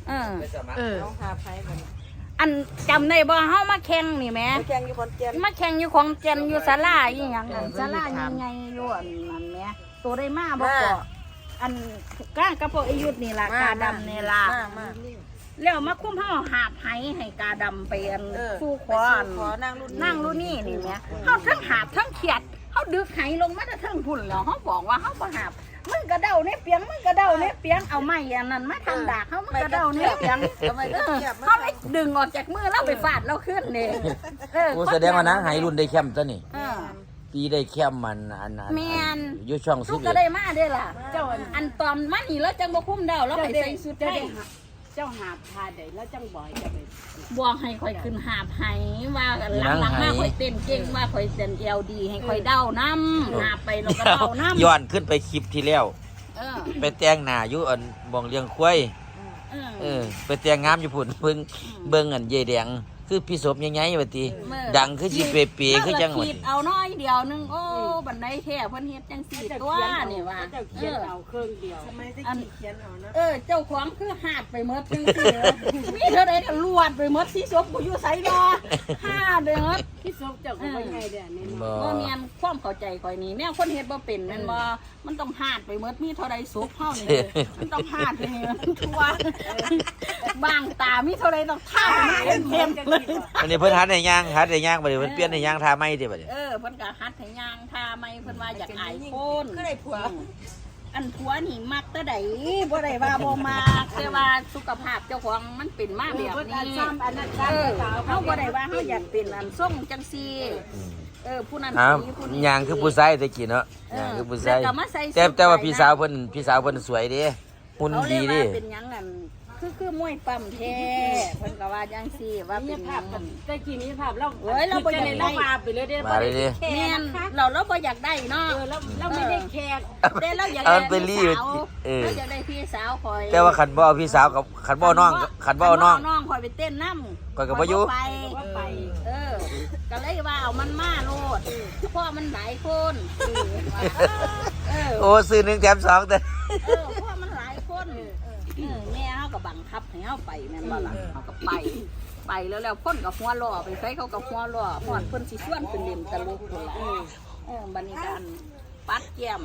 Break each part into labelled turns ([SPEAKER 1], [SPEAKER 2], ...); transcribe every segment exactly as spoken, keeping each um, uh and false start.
[SPEAKER 1] เออ
[SPEAKER 2] เออ
[SPEAKER 3] ต้องหาไผมัน
[SPEAKER 1] อันจำได้บ่เฮามาแข่งนี่แหม
[SPEAKER 3] แข่งอยู่ขอนแก่น
[SPEAKER 1] มาแข่งอยู่ของแก่นอยู่ศาลาอีหยังนั่นศาลายังไงอยู่อันนั้นแหมตัวได้มาบ่ก็อันก้างกระโปรงอายุนี่ล่ะกาดำนี่ล่ะแล้วมาคุ้มเฮาหาบไหให้กาดำไปอันสู้ขอนั่งรุ่นนั่งรุ่นนี่นี่แหมเฮาทั้งหาบทั้งเขียดเฮาดึกไหลงมาแต่ทั้งพุ่นแล้วเฮาบอกว่าเฮาบ่หาบมึงกระเด้าเนี่ยเปียงมึงกระเด้าเนี่ยเปียงเอาไม้อันนั้นมาทำดากเขามึงกระเด้าเนี่ยเปียงเขาไม่ดึงออกจากมือแล้วไปฟาดเราขึ้นเนี่ย
[SPEAKER 2] โอ้แสดงว่านะหายรุ่นได้แคมป์ตัวนี่ปีได้แคมป์มันอันนั้นอยู่ช่องสิบ
[SPEAKER 1] ทุกก็ได้มาได้ล่ะเจ้าอันตอนมันนี่แล้วจังบ่คุ้มเดาแล้วไปใส่สุดได้
[SPEAKER 3] เจ้าหาพาได้แล้วจังบ่อยจะไป
[SPEAKER 1] บอกให้ข่อยขึ้นหาบให้ว่าหลังๆมาข่อยเต้นเก่งว่าข่อยเต้นเอลดีให้ข่อยเดาน้ำหาไปแล้วก็เดาน้ำ
[SPEAKER 2] ย้อนขึ้นไปคลิปที่แล้วไปแต่งหน้าอยู่อันบ่องเลี้ยงควายเออไปแต่งงามอยู่พุ่นเบิ่งเบิ่งอันเย่แดงคือพี่ศพยังไงว่าติดังคือสิเปเปคือจังว่า
[SPEAKER 1] เอาน้อยเดียวนึงโอ้บันไดแท้เพิ่นเฮ็ดจังซี่ตัวนี่ว่า
[SPEAKER 3] เจ้าเขียนเอาเครื่องเดียวทำไมได้เขียนเอานะ
[SPEAKER 1] เออเจ้าของคือหาดไปหมดจังซี่มีเท่าใดก็ลวดไปหมดสิศพกูอยู่ไสบ่หาดเด้อ
[SPEAKER 3] พี่ศพเจ้าก็บ่ใหญ่เด้อนี่
[SPEAKER 1] บ่แม่นความเข้าใจข่อยนี่แนวคนเฮ็ดบ่เป็นแม่นบ่มันต้องหาดไปหมดมีเท่าใดศพเฮานี่มันต้องหาดให้มันทั่วบางตามีเท่าใดต้องท่ามันเต็มเลย
[SPEAKER 2] อันนี้เพิ่นหัดให้ย่างหัดให้ย่างบัดนี้เพิ่นเปลี่ยนให้ย่างท่าใหม่ติบัดนี้
[SPEAKER 1] เออเพิ่นก็หัดให้ย่างท่าใหม่เพิ่นว่าอยากอายคน
[SPEAKER 3] ก็ได้ผัว
[SPEAKER 1] อันผัวนี่มักแต่ใดบ่ได้ว่าบ่มักแต่ว่าสุขภาพเจ้าของมันเป็นมาแบบนี้เออเฮาบ่ได้ว่าเฮาอยากเป็นอันทรงจังซี่เออผู้นั้น
[SPEAKER 2] ผู้นี้ย่างคือผู้ชายตะกี้เนาะย่างคือผู้ชายแต่แต่ว่าพี่สาวเพิ่นพี่สาวเพิ่นสวยเด้หุ่นดีเด้
[SPEAKER 1] เป็นหยังนั่นคือคือมวยปั๊มแท้เพิ่นก็ว่าจังซี่ว่าเป็นภาพ
[SPEAKER 3] แต่กี้มีภาพเรา
[SPEAKER 1] เอ้ยเราบ่อยากได้
[SPEAKER 3] มาไปเลยเด้
[SPEAKER 2] บ่ได้
[SPEAKER 1] แม่นเราเราบ่อยากได้เนาะ
[SPEAKER 3] เออเราเราไม่ได้แขก
[SPEAKER 1] แต่เราอยากได้พี่สาวเออเราอยากได้พี่สาวคอย
[SPEAKER 2] แต่ว่าคันบ่เอาพี่สาวกับคันบ่น้องคันบ่น้อง
[SPEAKER 1] น้องคอยไปเต้นนำ
[SPEAKER 2] คอยก็บ่อยู่
[SPEAKER 1] ไปไปเออก็เลยว่าเอามันมาโลดเพราะมันหลายคน
[SPEAKER 2] เออโอ้ซื้อหนึ่งแถมสองแต่
[SPEAKER 1] เออเพราะมันหลายคนเออแม่เฮาก็บังคับให้เฮาไปแม่นบ่ล่ะเฮาก็ไปไปแล้วแล้วพ่นกับหัวล้อไปใส่เขากับหัวล้อพอดเพิ่นสิชวนเป็นเล่นตลกพุ่นล่ะเออบัดนี้กันปัดแก้ม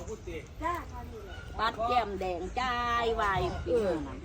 [SPEAKER 1] ปัดแก้มแดงจ้ายวายปีนั้น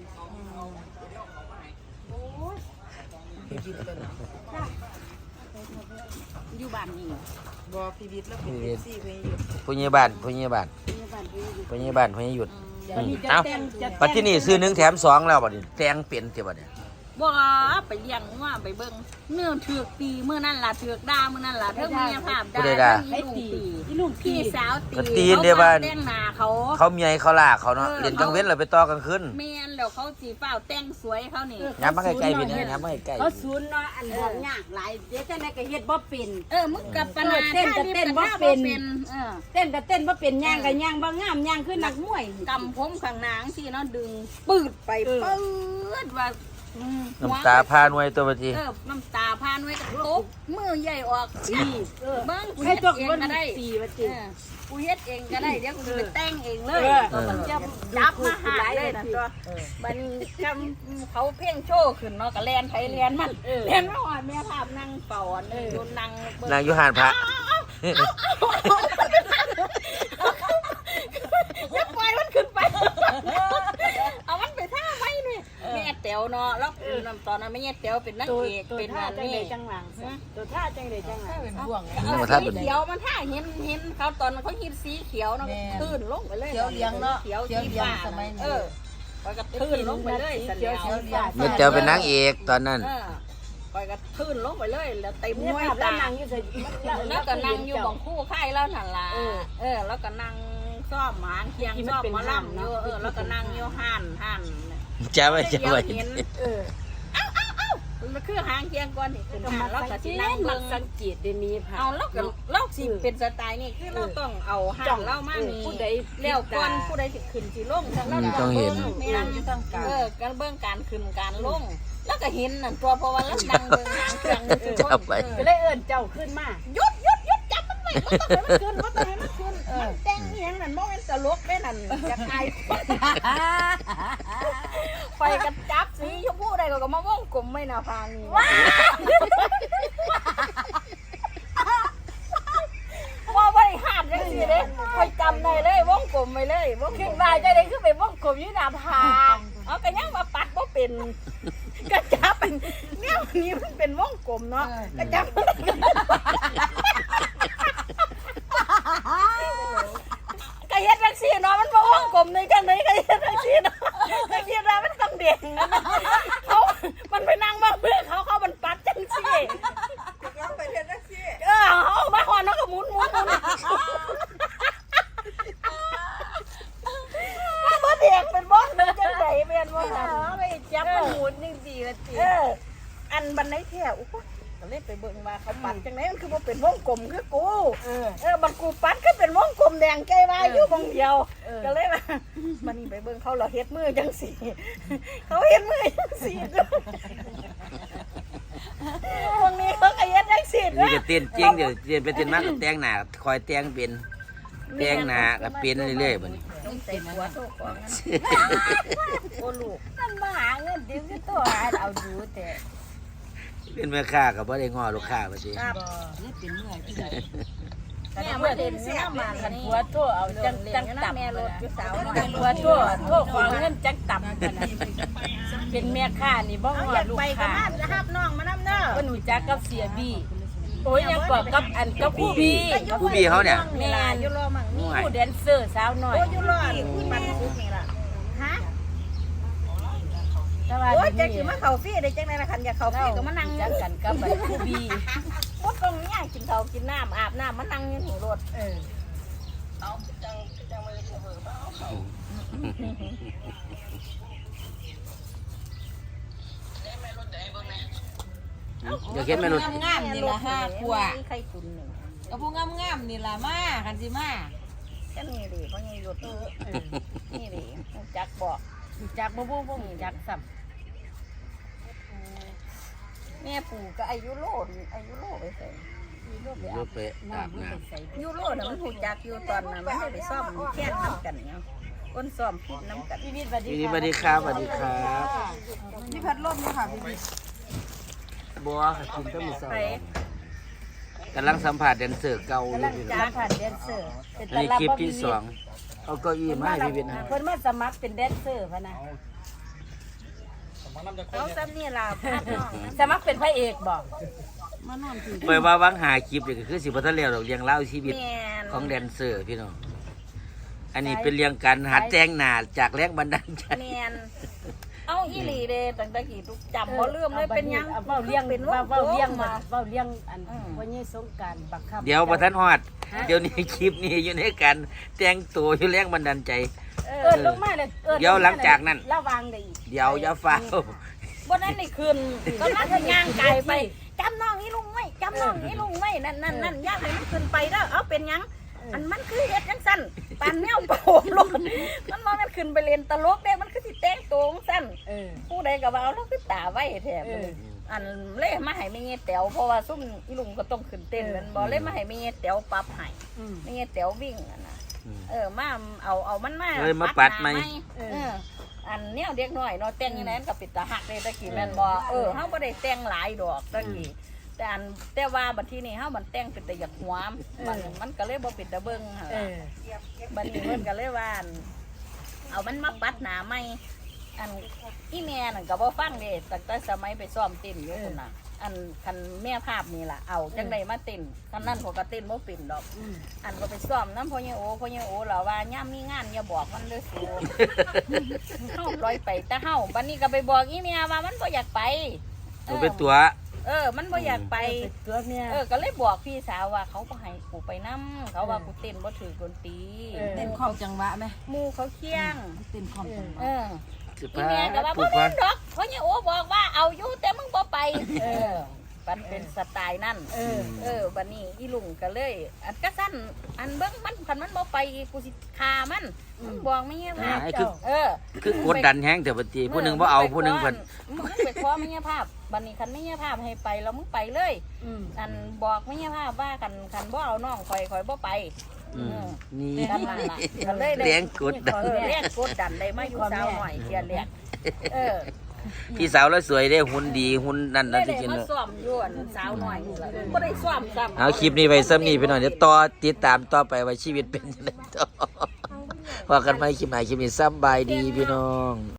[SPEAKER 1] อยู่บ้านนี่
[SPEAKER 3] บ่พีวิทย์แล้วเป็นซี่เพิ่นอยู่
[SPEAKER 2] ผู้ใหญ่บ้านผู้ใหญ่บ้านผู้ใหญ่บ้านผู้ใหญ่หยุดเอ้าปัจจุบันซื้อหนึ่งแถมสองแล้วบัดนี้แตงเปลี่ยนติบัดนี้
[SPEAKER 1] บ่ไปเลี้ยงว่าไปเบิ่งเนื้อเถือกตีมื้อนั่นล่ะเถือกด่ามื้อนั่นล่ะเทิงเมียภาพด่าให้ตีอีลูกพี่สาวตี
[SPEAKER 2] ตีนเด้บ้าน
[SPEAKER 1] แต่งหน้าเขา
[SPEAKER 2] เขาเมียเขาลากเขาเนาะเล่นกลางเว้นแล้วไปต่อกลางคืน
[SPEAKER 1] แม่นแล้วเขาสิฟ้าวแต่งสวยเขานี่
[SPEAKER 2] ย้ำมาใกล้ๆพี่เนี่ยย้ำมาใกล้
[SPEAKER 3] ๆเขาศูนย์เนาะอันบอกยากหลายเดี๋ยวจังได๋ก็เฮ็ดบ่เป็น
[SPEAKER 1] เออมึงกับปนา
[SPEAKER 3] เต้นก็เต้นบ่เป็นเออเต้นก็เต้นบ่เป็นย่างก็ย่างบ่งามย่างคือนักมวย
[SPEAKER 1] กำผมข้างหน้าจังซี่เนาะดึงปืดไปปืดว่า
[SPEAKER 2] น้ำตาพาหน่วยตัวบัดนี้
[SPEAKER 1] เออน้ำตาพาหน่วยกับตบมือใหญ่ออกนี่เออเบิ่งกู
[SPEAKER 3] เฮ็ดเอง
[SPEAKER 1] ก็ได้
[SPEAKER 3] ตีบัดนี้
[SPEAKER 1] กูเฮ็ดเองก็ได้เดี๋ยวกูไปแต่งเองเลยมันจะจับมาหาเลยนะตัวมันจำเขาเพ่งโชว์ขึ้นเนาะก็แลนไผแลนมันแลนมาหอดแม่ภาพนั่งเป่าเออนั่ง
[SPEAKER 2] นั่งอยู่หานพระ
[SPEAKER 1] อย่าปล่อยมันขึ้นไปเอามันไปท่าไว้นี่แม่แต๋วเนาะแล้วตอนนั้นแม่แต๋วเป็นนักเอกเป็นอันนี้
[SPEAKER 3] จังหลังตัวท่าจังได๋จังหลังเป็นบ่วง
[SPEAKER 1] สีเขียวมันท่าเห็นเห็นเขาตอนเขาฮิตสีเขียวเนาะตื้นลงไปเลย
[SPEAKER 3] เขียวเลี้ยงเนาะ
[SPEAKER 1] เขียวสีฟ้าเออปล่อยกระตื้นลงไปเลย
[SPEAKER 3] เขียวเขียวเลี้ยง
[SPEAKER 2] แม่แต๋วเป็นนางเอกตอนนั้น
[SPEAKER 1] ปล่อยกระตื้นลงไปเลยแล้วเต็ม
[SPEAKER 3] มวยตานั่งอยู่
[SPEAKER 1] แล้วก็นั่งอยู่บังคู่ค่ายแล้วนั่นล่ะเออแล้วก็นั่งซ่อมหางเคียงซ่อมมะล่ำอยู่เออแล้วก็นั่งอยู่ห่านห่าน
[SPEAKER 2] จ้าไว้จ้าไว้
[SPEAKER 1] เออเอ้าเอ้าเอ้ามันคือหางเคียงก่อนนี่คือห่านแล้วก็สินั่งเบิ่ง
[SPEAKER 3] สังเกตได้มีค่ะ
[SPEAKER 1] เอาแล้วก็เราสิเป็นสไตล์นี่คือเราต้องเอาห่านเล่ามานี่
[SPEAKER 3] ผู้ใด
[SPEAKER 1] แล้วก่อนผู้ใดสิขึ้นสิลงทั้งเรา
[SPEAKER 2] ต้องเห็น
[SPEAKER 1] นั่งอยู่ทางกลางเออการเบิ่งการขึ้นการลงแล้วก็เห็นนั่นตัวเพราะว่าเรานั่งเบิ่งหางเคียงนี่
[SPEAKER 2] จับไป
[SPEAKER 3] ก็เลยเอิ้นเจ้าขึ้นมา
[SPEAKER 1] หยุดหยุดหยุดจับมันไว้บ่ต้องให้มันขึ้นบ่ต้องให้มันขึ้นเออแต่งเฮียงนั่นบ่แม่นตลกแม่นั่นอยากอายไฟกระจับก็ก็มาวงกลมไม่นาพานี่ว่าบริหารจังสิเด้คอยจำได้เลยวงกลมไปเลยวงขึ้นมาจะได้ขึ้นไปวงกลมอยู่หน้าผาเอาก็ยังมาปัดบ่เป็นก็จับเป็นเนี่ยวันนี้มันเป็นวงกลมเนาะก็จับก็เฮ็ดจังซี่เนาะมันบ่วงกลมในจังได๋ก็เฮ็ดจังซี่เนาะก็คิดว่ามันต้องเด็กนะเขามันไปนั่งบ้างเพื่อเขาเขามันปัดจังซี่เขาไปเฮ็ดจังซี่เออเขามาฮอดเนาะก็หมุนหมุนหมุนบ่เด็กเป็นบ่มันจังได๋แม่นบ่ล่ะไปจับมันหมุนจังซี่ละติเอออันบันไดแท้โอ้โหก็เลยไปเบิ่งว่าเขาปัดจังได๋มันคือบ่เป็นวงกลมคือกูเออเออบัดกูปัดก็เป็นวงกลมแดงใจว่าอยู่วงเดียวก็เลยว่ามันนี่ไปเบิ่งเขาเราเฮ็ดมือจังซี่เขาเฮ็ดมือจังซี่วงนี้เขาก็เฮ็ดจังซี่
[SPEAKER 2] นี่ก็เต้นจริงเดี๋ยวเต้นไปเต้นมาก็แต่งหน้าคอยแต่งเป็นแต่งหน้าก็เป็นเรื่อยๆบัดนี้
[SPEAKER 1] ต้องใส่หัวโตของนั้นโอ้ลูกมันมาหาเงินดิ้วคือตัวหาเอาดูแต่
[SPEAKER 2] เป็นแม่ค้าก็บ่ได้ง้อลูกค้าว่าสิ
[SPEAKER 1] ครับ
[SPEAKER 3] นี่เป็นเมื่อยที่ไหน
[SPEAKER 1] แม่มาเด่นเนี่ยมาคันหัวโตเอาจังจังตับแม่รถอยู่สาวน้อย
[SPEAKER 3] หัวโทษโทษของเงินจักตับกันนะเป็นแม่ค้านี่บ่ว่าลูกค้า
[SPEAKER 1] รับน้องมานำเด้อ
[SPEAKER 3] บ่หนูจักกับเสียบี้โอ้ยยังกว่ากับอันกับผู้บี้
[SPEAKER 2] ผู้พี่เขาเนี่ย
[SPEAKER 1] แม่อยู่รอมั่ง
[SPEAKER 3] มีผู้แดนเซอร์สาวน้อย
[SPEAKER 1] โอ้อยู่รอปันสุดนี่ล่ะฮะ
[SPEAKER 3] แต่ว่า
[SPEAKER 1] โอ้ยจังสิมาเข้าฟรีได้จังได๋ล่ะคันอยากเข้าฟรีก็มานั่ง
[SPEAKER 3] จักกันกับผู้บี้
[SPEAKER 1] บ่ต้องเนี่ยกินข้าวกินน้ำอาบน้ำมานั่งอยู่นี่รถ
[SPEAKER 3] เออ
[SPEAKER 2] เดี๋ยวเข็นแม่รถ
[SPEAKER 3] งามๆนี่ล่ะห้าขวบ
[SPEAKER 1] ไข่ตุนหนึ่ง
[SPEAKER 3] ก็ผู้งามๆนี่ล่ะมาคันสิมา
[SPEAKER 1] ก็นี่ดิเพราะนี่รถนี่ดิจักบอก
[SPEAKER 3] จักบ่บ่บ่จักซ้ำ
[SPEAKER 1] แม่ปู่ก็อายุโลดอายุโลไปใส่
[SPEAKER 2] รถไปอาบน้
[SPEAKER 1] อายุโลดน่ะมันหูจักอยู่ตอนนั้นมันได้ไปซ่อมแค่น้ำกันเนาะคนซ่อมผิดน้ำกัน
[SPEAKER 3] พี่วิทย์สวัส
[SPEAKER 2] ำ
[SPEAKER 3] ดี
[SPEAKER 2] พี่สวัสดีครับสวัสดีครับ
[SPEAKER 3] นี่พัดลมนี่ค่ะพี่วิทย์
[SPEAKER 2] บัวกินต้มมือเศร้า
[SPEAKER 1] ไป
[SPEAKER 2] กำลังสัมผัสแดนเซอร์เก่าอยู่
[SPEAKER 3] กำลัง
[SPEAKER 2] พี่น้
[SPEAKER 3] จ้า
[SPEAKER 2] อง
[SPEAKER 3] ผ่านแดนเซอร์
[SPEAKER 2] อันนี้คลิปที่สองเอาเก้าอี้มาให้พี่เป็น
[SPEAKER 3] เพิ่นมาสมัครเป็นแดนเซอร์พะนะ
[SPEAKER 1] เอาซ้ำนี่ล่ะพาดน้อง
[SPEAKER 3] สมัครเป็นพระเอกบ่มานอนที่
[SPEAKER 2] ไปว่าวังหาคลิปนี่ก็คือสิบ่ทันแล้วดอกเรียงเล่าวชีวิต
[SPEAKER 1] แม่น
[SPEAKER 2] ของแดนเซอร์พี่น้องอันนี้เป็นเรียงการหัดแต่งหน้าจากแรงบันดาลใจ
[SPEAKER 1] แม่นเอาอีหลีเด้ตั้งแต่กี่ทุกจำบ่ลืมเลยเป็นหยัง
[SPEAKER 3] เว้าเลี้ยง
[SPEAKER 1] เป็น
[SPEAKER 3] เว้า
[SPEAKER 1] ว่า
[SPEAKER 3] เว้าเลี้ยงมา
[SPEAKER 1] มา
[SPEAKER 3] เว้าเลี้ยงอันพ่อใหญ่สงกรานต์บักคับ
[SPEAKER 2] เดี๋ยวบ่ทันฮอดเดี๋ยวนี้คลิปนี้อยู่ในการแต่งตัวอยู่แรงบันดาลใจ
[SPEAKER 1] เอ
[SPEAKER 3] เอิ้
[SPEAKER 1] อน
[SPEAKER 3] ลงมาเลยเอิ้น
[SPEAKER 2] เดี๋ยวหลังจากนั้น
[SPEAKER 3] ระวังได้อีก
[SPEAKER 2] เดี๋ยวอย่าฟ้าว
[SPEAKER 1] บ่นั้นนี่คืนก็นั่นย่างไกลไปจำน้องนี่ลุงไว้จำน้องนี่ลุงไว้นั่นนั่นนั่นย่างให้มันขึ้นไปเด้อเอาเป็นหยังอันมันคือเฮ็ดจังซั่นปานแมวโป่งลงมันบ่แม่นขึ้นไปเล่นตลกเด้มันคือสิแต่งตัวจังซั่น
[SPEAKER 3] เออ
[SPEAKER 1] ผู้ใดก็ว่าเอาแล้วคือตาไว้แท้
[SPEAKER 3] เออ
[SPEAKER 1] อันเล่มาให้แม่เงี้ยแต๋วเพราะว่าซุ่มอีลุงก็ต้องขึ้นเต้นแมันบ่เล่มาให้แม่เงี้ยแต๋วปรับให้
[SPEAKER 3] อืม
[SPEAKER 1] แม่เงี้ยแต๋ววิ่งอันน่ะเออมาเอาเอามันมา
[SPEAKER 2] เลยมาปัดไหม
[SPEAKER 1] หน้เอออันเนี้ยเด็กน้อยเนาะแต่งอย่างนั้นก็ปิดตาหักเลยตะกี้แม่นบ่เออเฮาบ่ได้แต่งหลายดอกตะกี้แต่อันแต่ว่าบัดทีนี้เฮามันแต่งเป็นแต่อยากหวมมันมันก็เลยบ่เป็นตาเบิ่งหั่น
[SPEAKER 3] เอ
[SPEAKER 1] ล่ะ
[SPEAKER 3] อ
[SPEAKER 1] บัดนี้เพิ่นก็เลยว่าอั่นเอามันมาปัดหน้าใหม่อันอีแม่นั่นก็บ่ฟังเด้ตั้งแต่สมัยไปซ้อมเต้นอยู่พุ่นน่ะอันคันแม่ภาพนี่ล่ะเอาจังได๋มาเต้นคันนั้นเขาก็เต้นบ่เป็นดอก
[SPEAKER 3] อืม
[SPEAKER 1] อันก็ไปซ้อมนำพ่อใหญ่โอพ่อใหญ่โอล่ะว่าย่ามมีงานอย่าบอกมันเด้อสูเฮาปล่อยไปแต่เฮาบัดนี้ก็ไปบอกอีแม่ว่ามันบ่อยากไป
[SPEAKER 2] ตัวเป็นตัว
[SPEAKER 1] เออ มันบ่อยากไป
[SPEAKER 3] ตัวเมีย
[SPEAKER 1] เออ ก็เลยบอกพี่สาวว่าเขาบ่ให้กูไปนำเขาว่ากูเต้นบ่ถือดนตรี
[SPEAKER 3] เต้นของจังหวะไหม
[SPEAKER 1] หมู่เขาเคียง
[SPEAKER 3] เต้นของจังหวะ
[SPEAKER 1] เออ
[SPEAKER 2] สิ
[SPEAKER 1] อีแม่ก็ว่า
[SPEAKER 2] ผู
[SPEAKER 1] บ่
[SPEAKER 2] ก
[SPEAKER 1] แม่
[SPEAKER 2] พั
[SPEAKER 1] น
[SPEAKER 2] น
[SPEAKER 1] ดอกเพราะเนี่ยโอ้บอกว่าเอาอยู่แต่มึงบ่ไป เออมันเป็นสไตล์นั่น
[SPEAKER 3] เออ
[SPEAKER 1] เออบัดนี้อีลุงก็เลย อันก็สั้นอันเบิ่งมันคันมันบ่ไปกูสิฆ่ามันมึงบอกไม่เงี้ยภาพ
[SPEAKER 2] ไอ้คือ
[SPEAKER 1] เออ
[SPEAKER 2] คือกดดันแฮงแต่ปฏิผู้หนึงบ่เอาผู้หนึงเพิ่น
[SPEAKER 1] มึงไปขอไม่เงี้ยภาพบัดนี้คันไม่เงี้ยภาพให้ไปแล้วมึงไปเลย
[SPEAKER 3] อืม
[SPEAKER 1] อันบอกไม่เงี้ยภาพว่าคันคันบ่เอาน้องข่อยข่อยบ่ไป
[SPEAKER 2] อืมนี่
[SPEAKER 1] นั่นล่ะก็เลยได้
[SPEAKER 2] แรงกดดัน
[SPEAKER 1] เออแรงกดดันได้มาอยู่สาวหน่อยเทียนแรกเออ
[SPEAKER 2] พี่สาวแล้วสวยได้หุ่นดีหุ่นนั่น
[SPEAKER 1] ได้
[SPEAKER 2] นั่นที่
[SPEAKER 1] ได้
[SPEAKER 2] กิน
[SPEAKER 1] มา
[SPEAKER 2] เนอะ
[SPEAKER 1] ซ้อมอยู่อันสาวน้อยนี่ล่ะบ่ได้ซ้อมซ้ำ
[SPEAKER 2] เอาคลิปนี้ไปซ้ำนี่ไปหน่อยเดี๋ยวต่อติดตามต่อไปว่าชีวิตเป็นยังไงต่อว่ากันไหมคลิปไหนคลิปนี้ซ้ำบายดีพี่น้อง